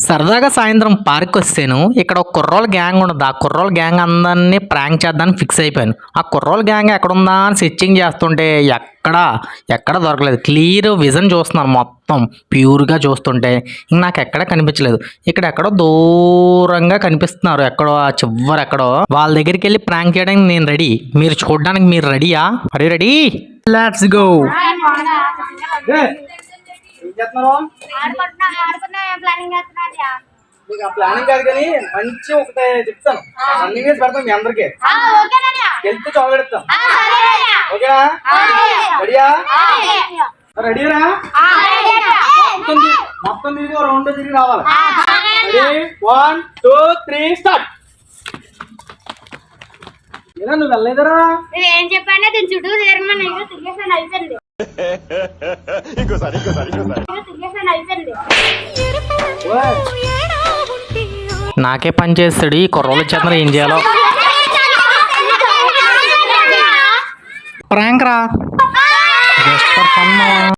సరదాగా సాయంత్రం పార్క్ వస్తాను. ఇక్కడ ఒక కుర్రోళ్ళ గ్యాంగ్ ఉండదు. ఆ కుర్రోళ్ళ గ్యాంగ్ అందరినీ ప్రాంక్ చేద్దామని ఫిక్స్ అయిపోయాను. ఆ కుర్రోళ్ళ గ్యాంగ్ ఎక్కడుందా అని సెర్చింగ్ చేస్తుంటే ఎక్కడ దొరకలేదు. క్లియర్ విజన్ చూస్తున్నాను, మొత్తం ప్యూర్గా చూస్తుంటే ఇంక నాకు ఎక్కడ కనిపించలేదు. ఇక్కడ ఎక్కడో దూరంగా కనిపిస్తున్నారు, ఎక్కడో ఆ చివరి ఎక్కడో. వాళ్ళ దగ్గరికి వెళ్ళి ప్రాంక్ చేయడానికి నేను రెడీ. మీరు చూడడానికి మీరు రెడీయా? అరే రెడీ, లెట్స్ గో. ప్లానింగ్ కాదు కానీ మంచి ఒకటే చెప్తాను. రన్నింగ్ రేస్ పెడతాం మీ అందరికి. గెలిస్తే చాక్లెట్ ఇస్తాం. ఓకేనా? రెడీయా? రెడీరా? మొత్తం తిరిగి రౌండ్ తిరిగి రావాలి. రెడీ? 1 2 3 స్టార్ట్. ఏనా నువ్వు వెళ్ళలేదరా? ఏం చెప్పానే దీని చుట్టూ తిరగమని తిరిగేసాను, అయిపోయింది. నాకే పని చేస్తాడు ఈ కుర్రోళ్ళు చేత. ఏం చేయాలో ప్రాంక్ రా, జస్ట్ ఫర్ ఫన్.